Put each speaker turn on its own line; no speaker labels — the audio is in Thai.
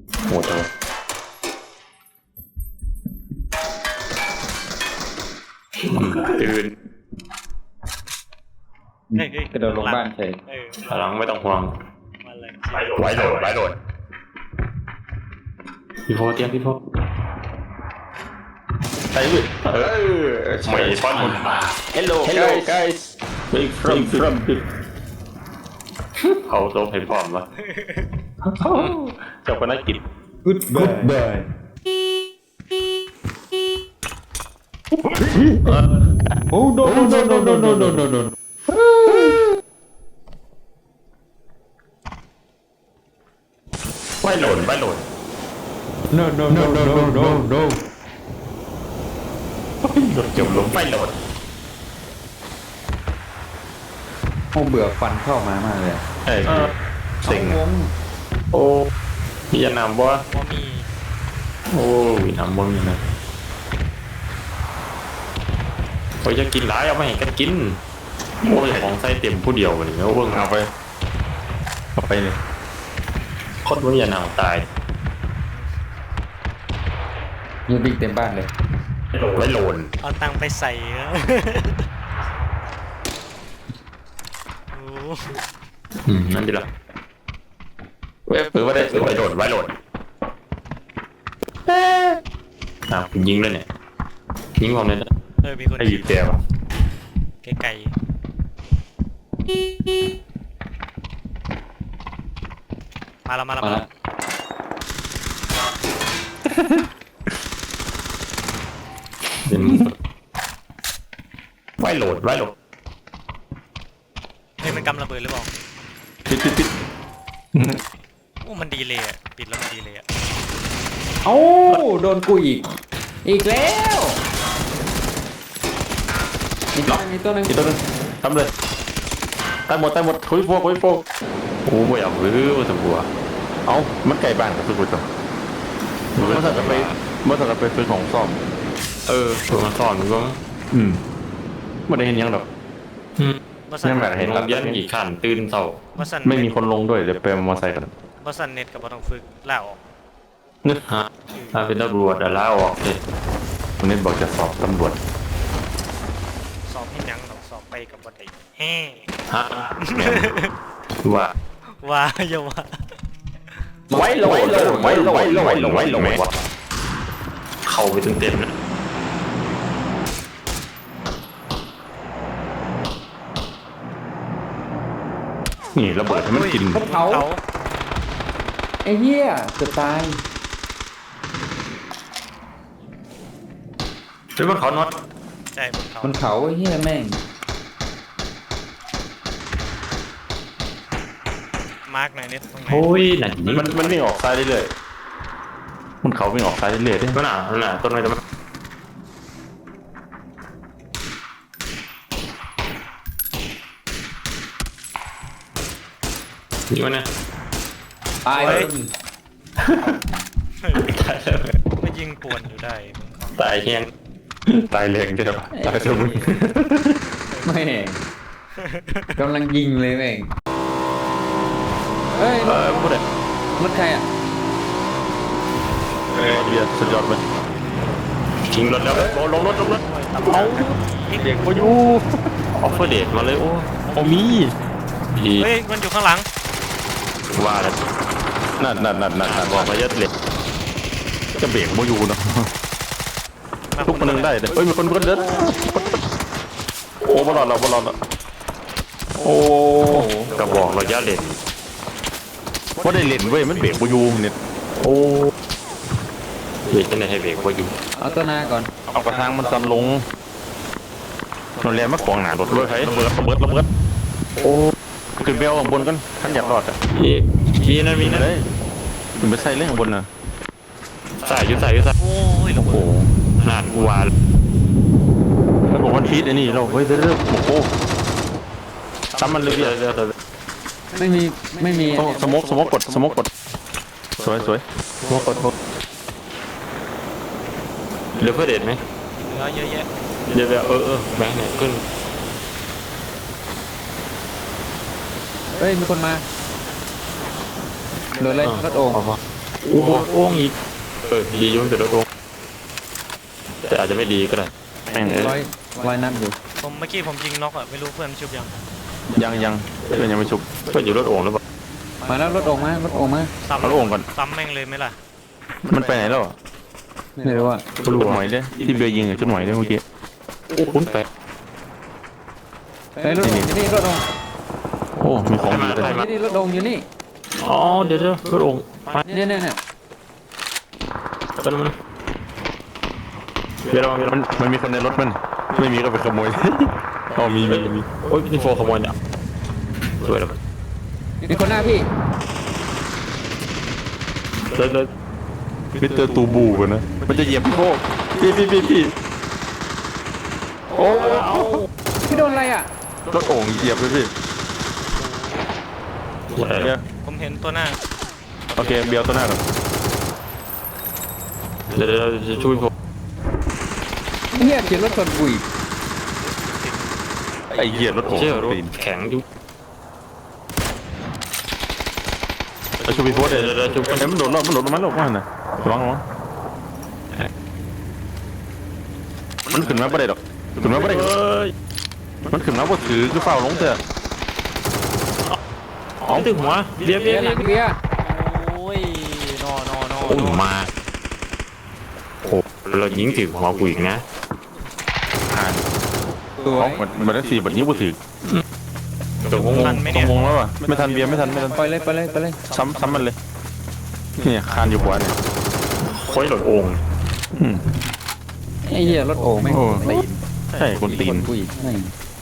โหดจังตื่น
กระโดดลงบ้านเฉย
หลังไม่ต้องห่วง
มาเลย
ไว้โหลดพี่โฟเตรียมพี่โฟ
ใช่เว้ย
ไม่ป้อนหมด
Hello guys Where from
เขาโตให้พร้อมวะ
เจ้าก็น่ากิน
Goodbye Oh no no no no no no no no
ไว้โหลด
no no no no no no no
เกี่ยวลมไว้โหลด
โอ้เบื่อฟันเข้ามามากเลย
เอ้ยเซ็ง
วง
โอ้พี่จะนำบ่
ว่ามี
โอ้ยนำบ่มีนะโอ้ยจะกินหลายเอาไม่ให้กันกินโอ้ยของใส่เต็มผู้เดียววันนี้แล้วเบิ่ง
เอาไปเลย
คนว่าอย่านำตาย
ยูบิกเต็มบ้านเลย
ไว้โหลด
เอาตังค์ไปใส่นะโอ้
นั่นดีละเว้ยปืนว่าได้ไว้โหลดผมยิงเลยเนี่ยยิงผมเลยนะ
มีคน
ไอ้บีบแต่ว่ะ
ไกลๆมาแล้ว
มาละ
เป็นไว้โหลด
เฮ้ยมันกำระเบิดหรือเปล่า
ปิด
โอ้มันดีเลยอ่ะปิดแล้วมันดีเลยอ่ะ
เอ้าโดนกูอีกแล้วมีตัวนึง
อีกตัวนึงทำเลยตายหมดคุยโฟก
โอ้บ่อยากรื้อมาสัมผัส
เอ้ามันไก่บ้านกับสุกุลจ้ะมันสั่งกันไปซื้อของซ่อม
ตัวมาสอนมึงก็
ไม่ได้เห็นยังหรอก
บอสัน
ยังแบบ
เห็นยันกี่ขันตื่นเศร้า
บอสัน
ไม่มีคนลงด้วยเดี๋ยวไปมอไซค์กัน
บอสันเน็ตกับบอต้องฝึกล่าออก
นึก
ฮะถ้าเป็นตำรวจลาออกเลย
คนนี้บอกจะสอบตำรวจ
สอบให้ยังต้องสอบไปกับบอได้แฮ่
ฮะว่า
ว่าอย่าว่า
ไว้โหลด
เข้าไปเต็มๆนะ
นี่ระเบิดให้มันกิน
เขาไอ้เหี้ยจะตาย
หรือว่าเขาน็อต
ใช่บนเขา
มันเขาไอ้เหี้ยแม่ง
มาร์กหน่อยเน็ตตรงไหน
โอ้ยหนักจริง
มันวิ่งออกซ้ายเรื่อยๆมันเขาวิ่งออกซ้ายเรื่อยๆด้วย
มันหนาต้นไม้ต้นไม้นี่มันเนี่ย
ตายเลย
ก็ยิงป่วนอยู่ได้บนเขา
ตายแห้ง
ตายแรงใช่ปะตายเท่ามึง
แม่งกำลังยิงเลยแม่งเฮ้ย
พูดเลย
รถใครอ่ะ
เบียร์สุดยอดเลย
ทิ้งรถแล้วลงรถ
เอาเด็กพายุ
ออฟเฟอร์เดทมาเลยโอ้
โอมี
ดี
เฮ้ยมันอยู่ข้างหลัง
ว่าแล้ว
นั่น
บอกมาเยอะเลย
จะเบรกพายุเนาะทุกคนนึงได้เลยเฮ้ยมีคนเดินโอ้บอลเราโอ้
กระบอกเราย่าเล่น
ว่าได้เล่นเว้ยมันเบรกพายุเนี่ยโอ้
เบรกจะไหนให้เบรกว่าอยู่
เอาตัวหน้าก่อน
เอากระทางมันซันลงนนเรียนมาขวางหนารถด้วยระเบิดโอ้ขึ้นไปเอาข้างบนกันท่านอยากรอดอ่ะ
มีนั่นมีนั่น
เลยขึ้นไปใส่เรื่องข้างบนน่ะ
ใส่ยุ่
โอ้ยระ
โอ้โห
เบิด
นานกูว่า
แล้วบอกวันพีทไอ้นี่เราเฮ้ยเรื่องโอ้โหซ้ำมันเลย
เดี๋
เบี
ย
ยว ร์
ไม่มี
สมกกดสวยสมกกด
เหลือเพื่อเดทไหม
เหลือเยอะแยะ
เดี๋ยวแบงค์เนี่ยขึ้น
เฮ้ยมีคนมาโดนเลยรถโอ่ง
โอ้โหโอ่งอีกดีอยู่มันเป็นรถโอ่งแต่อาจจะไม่ดีก็ได้
แม่งเอ้
ร้อย
ย
ร้อยนัดอยู่
ผมเมื่อกี้ผมยิงน็อกอะไม่รู้เพื่อนชุบยัง
ยังเพื่อนยังไม่ชุบ
เพื่อนอยู่รถโอ่งหรือเปล่า
มาแล้วรถออกมารถออกมา
ซ้ำ
เอาลูกโอ่งก่อน
ซ้ำแม่งเลยไหมล่ะ
มันไปไหนแล้วอะ
ไม่รู้ว่า
ชุดหมอยเด้ที่เบียร์ยิงอะชุดหมอยเด้เมื่อกี้
โอ้คุณแปะ
เฮ้ยรถออกอยู่นี่รถออก
โอ้มีของดีเลย
นี่รถออกอยู่นี่
อ๋อเดี๋ยวรถโอ่งมา
เนี่ย
ไปแล้วมันเดี๋ยวระวัง
มันมีคนในรถมันไม่มีก็ไปขโมย อ๋อมี
โอ้ยนี่โฟขโมยเนี่ยสวยแล้ว
มีคนหน้าพี่
เลย
มิสเตอร์ตูบูกันนะมันจะเหยียบพี่โก้พี่โอ้
พี่โดนอะไรอ่ะ
รถโอ่งเหยียบเลยพี่ เนี่ย
ผมเห็นตัวหน้า
โอเคเบียร์ตัวหน้าก่อน
เดี๋ยวจะช่วยผม
เฮียเขียนรถชนบุย
ไอ้เหยียบรถโอ่ง
เชื่อรถ
ตีน
แข็งอยู่
ไอ้ชูบีโพสเดี๋ยวชูเอ้ยมันโดดรอบมันโดดลงมานะระวังมันขึ้นมาไม่ได้หรอกขึ้นมาไม่ได้
เอ้ย
มันขึ้นมาบ่ถือคือเฝ้าลงเถอะ
อ๋อถึงหัวเบียร์
เบียร์หลังเบียร์
โอ้ยนอ
โอ้มาโอ้เรายิงถึงหัวกูอีกนะ
ผ่าน
สว
เขา
ย
มันได้4บัดนี้บ่ถือ
ตรงง
ทันไหม
ต้อ
เนี่
ง
ย
งงแล้วว่ะไม่ทันเบียร์ไม่ทัน
ไปเลย
ซ้ำมันเลยเนี่ยคานอยู่หัวเนี่ย
ค่อยหลดโอ่ง
อืม
ไอ้เหี้ยรถโอ่งไม่ง
โอ้
ตีน
ใช่คนตีน
บุยไม่ง